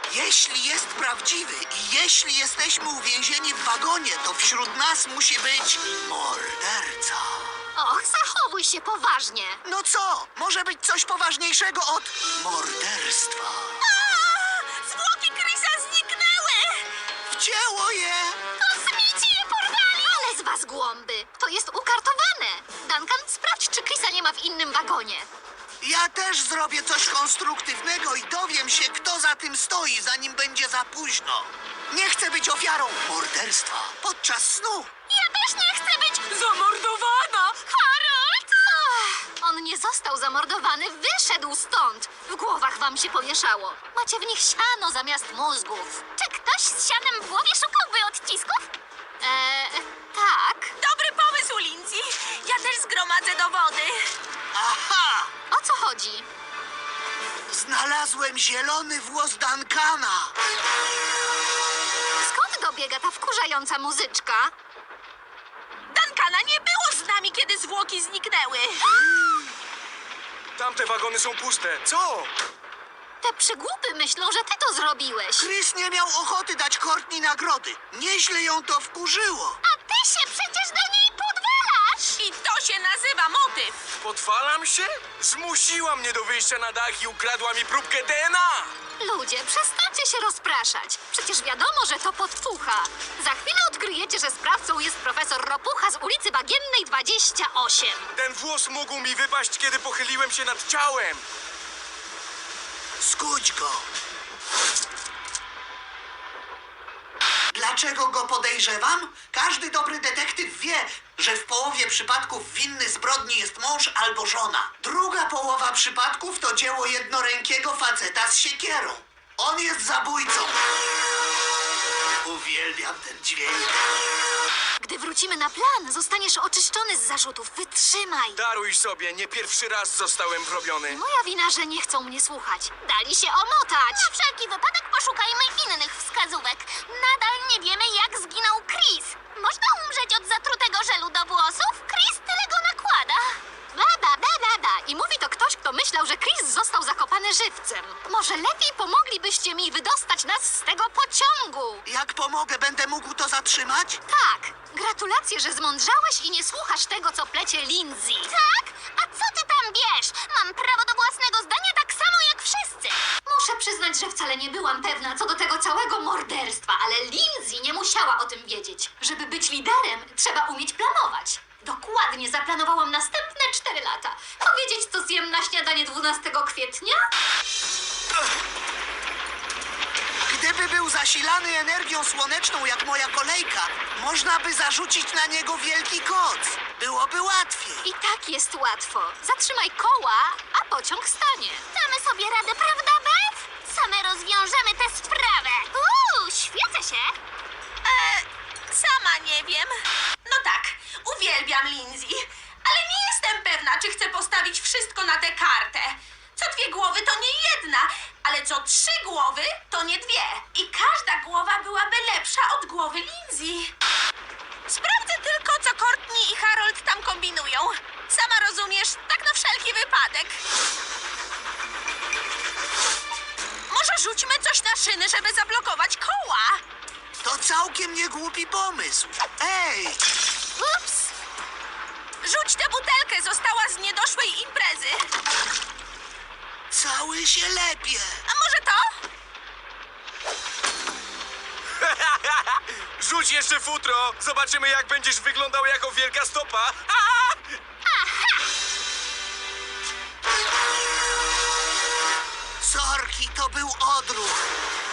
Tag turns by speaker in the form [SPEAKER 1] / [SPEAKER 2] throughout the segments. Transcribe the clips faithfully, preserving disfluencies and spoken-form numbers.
[SPEAKER 1] Jeśli jest prawdziwy i jeśli jesteśmy uwięzieni w wagonie, to wśród nas musi być morderca.
[SPEAKER 2] Och, zachowuj się poważnie.
[SPEAKER 1] No co? Może być coś poważniejszego od morderstwa.
[SPEAKER 2] Zwłoki Chrisa zniknęły!
[SPEAKER 1] Wcięło je!
[SPEAKER 2] Kosmici je porwali! Ale z was głąby! To jest ukartowane! Duncan, sprawdź, czy Chrisa nie ma w innym wagonie.
[SPEAKER 1] Ja też zrobię coś konstruktywnego i dowiem się, kto za tym stoi, zanim będzie za późno. Nie chcę być ofiarą morderstwa podczas snu.
[SPEAKER 2] Ja też nie chcę być zamordowana! Harold! Ach, on nie został zamordowany, wyszedł stąd. W głowach wam się pomieszało. Macie w nich siano zamiast mózgów. Czy ktoś z sianem w głowie szukałby odcisków? Eee, tak.
[SPEAKER 3] Dobry pomysł, Lindsay. Ja też zgromadzę dowody.
[SPEAKER 1] Aha!
[SPEAKER 2] O co chodzi?
[SPEAKER 1] Znalazłem zielony włos Duncana.
[SPEAKER 2] Skąd dobiega ta wkurzająca muzyczka?
[SPEAKER 3] Duncana nie było z nami, kiedy zwłoki zniknęły.
[SPEAKER 4] Tamte wagony są puste. Co?
[SPEAKER 2] Te przygłupy myślą, że ty to zrobiłeś.
[SPEAKER 1] Chris nie miał ochoty dać Courtney nagrody. Nieźle ją to wkurzyło.
[SPEAKER 2] A ty się przecież do niej podwalasz!
[SPEAKER 3] I to się nazywa motyw.
[SPEAKER 4] Podwalam się? Zmusiła mnie do wyjścia na dach i ukradła mi próbkę D N A.
[SPEAKER 2] Ludzie, przestańcie się rozpraszać. Przecież wiadomo, że to podfucha. Za chwilę odkryjecie, że sprawcą jest profesor Ropucha z ulicy Bagiennej dwadzieścia osiem.
[SPEAKER 4] Ten włos mógł mi wypaść, kiedy pochyliłem się nad ciałem.
[SPEAKER 1] Skudź go. Dlaczego go podejrzewam? Każdy dobry detektyw wie, że w połowie przypadków winny zbrodni jest mąż albo żona. Druga połowa przypadków to dzieło jednorękiego faceta z siekierą. On jest zabójcą. Uwielbiam ten dźwięk.
[SPEAKER 2] Gdy wrócimy na plan, zostaniesz oczyszczony z zarzutów. Wytrzymaj.
[SPEAKER 4] Daruj sobie, nie pierwszy raz zostałem wrobiony.
[SPEAKER 2] Moja wina, że nie chcą mnie słuchać. Dali się omotać. Na wszelki wypadek poszukajmy innych wskazówek. Nadal nie wiemy, jak zginął Chris. Można umrzeć od zatrutego żelu do włosów? Chris tyle go nakłada. Bada, bada, bada. I mówi to ktoś, kto myślał, że Chris został zakopany żywcem. Może lepiej pomoglibyście mi wydostać nas z tego pociągu.
[SPEAKER 1] Jak pomogę, będę mógł to zatrzymać?
[SPEAKER 2] Tak, gratulacje, że zmądrzałeś i nie słuchasz tego, co plecie Lindsay. Tak? A co ty tam wiesz? Mam prawo do własnego zdania tak samo jak wszyscy. Muszę przyznać, że wcale nie byłam pewna co do tego całego morderstwa, ale Lindsay nie musiała o tym wiedzieć. Żeby być liderem, trzeba umieć planować. Dokładnie zaplanowałam następne cztery lata. Powiedzieć, co zjem na śniadanie dwunastego kwietnia?
[SPEAKER 1] Gdyby był zasilany energią słoneczną jak moja kolejka, można by zarzucić na niego wielki koc. Byłoby łatwiej.
[SPEAKER 2] I tak jest łatwo. Zatrzymaj koła, a pociąg stanie. Damy sobie radę, prawda, Beth? Same rozwiążemy tę sprawę. Uuu, świecę się.
[SPEAKER 3] E, sama nie wiem. No tak, uwielbiam Lindsay, ale nie jestem pewna, czy chcę postawić wszystko na tę kartę. Co dwie głowy to nie jedna, ale co trzy głowy to nie dwie. I każda głowa byłaby lepsza od głowy Lindsay. Sprawdzę tylko, co Courtney i Harold tam kombinują. Sama rozumiesz, tak na wszelki wypadek. Może rzućmy coś na szyny, żeby zablokować koła?
[SPEAKER 1] To całkiem niegłupi pomysł. Ej!
[SPEAKER 2] Ups.
[SPEAKER 3] Rzuć tę butelkę, została z niedoszłej imprezy.
[SPEAKER 1] Cały się lepie.
[SPEAKER 3] A może to?
[SPEAKER 4] Rzuć jeszcze futro. Zobaczymy, jak będziesz wyglądał jako wielka stopa.
[SPEAKER 1] Sorki, to był odruch.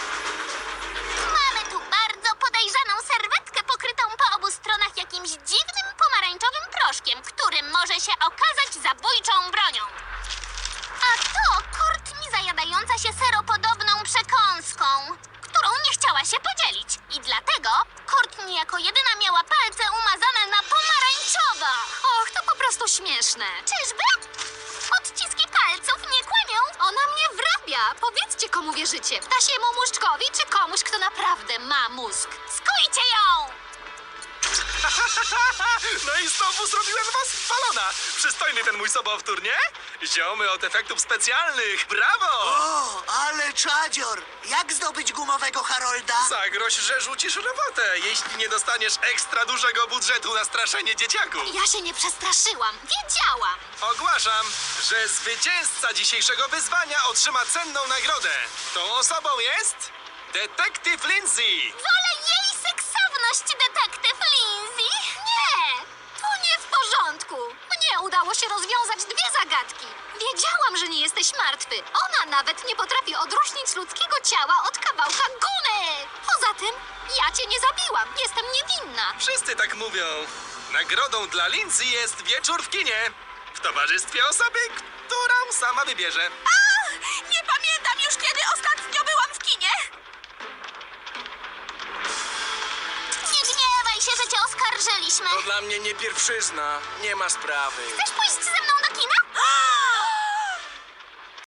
[SPEAKER 2] Mamy tu bardzo podejrzaną serwetkę pokrytą po obu stronach jakimś dziwnym pomarańczowym proszkiem, który może się okazać zabójczą bronią. A to Courtney zajadająca się seropodobną przekąską, którą nie chciała się podzielić. I dlatego Courtney jako jedyna miała palce umazane na pomarańczowo. Och, to po prostu śmieszne. Czyżby? Odciski palców nie kłamią? Ona mnie wrabia. Powiedzcie, komu wierzycie. Ptasiemu muszczkowi czy komuś, kto naprawdę ma mózg? Skójcie ją!
[SPEAKER 4] No i znowu zrobiłem was balona. Przystojny ten mój sobowtór, nie? Ziomy od efektów specjalnych, brawo!
[SPEAKER 1] O, ale czadzior! Jak zdobyć gumowego Harolda?
[SPEAKER 4] Zagroź, że rzucisz robotę, jeśli nie dostaniesz ekstra dużego budżetu na straszenie dzieciaków.
[SPEAKER 2] Ja się nie przestraszyłam. Wiedziałam.
[SPEAKER 4] Ogłaszam, że zwycięzca dzisiejszego wyzwania otrzyma cenną nagrodę. Tą osobą jest detektyw Lindsay.
[SPEAKER 2] Wolę jej seksowność, detektyw Lindsay. Nie, to nie w porządku. Mnie udało się rozwiązać dwie zagadki. Wiedziałam, że nie jesteś martwy. Ona nawet nie potrafi odróżnić ludzkiego ciała od kawałka gumy. Poza tym, ja cię nie zabiłam. Jestem niewinna.
[SPEAKER 4] Wszyscy tak mówią. Nagrodą dla Lindsay jest wieczór w kinie. W towarzystwie osoby, którą sama wybierze.
[SPEAKER 3] A, nie pamiętam już, kiedy ostatnio byłam w kinie.
[SPEAKER 2] Nie gniewaj się, że cię oskarżyliśmy.
[SPEAKER 4] To dla mnie nie pierwszyzna. Nie ma sprawy.
[SPEAKER 2] Chcesz pójść ze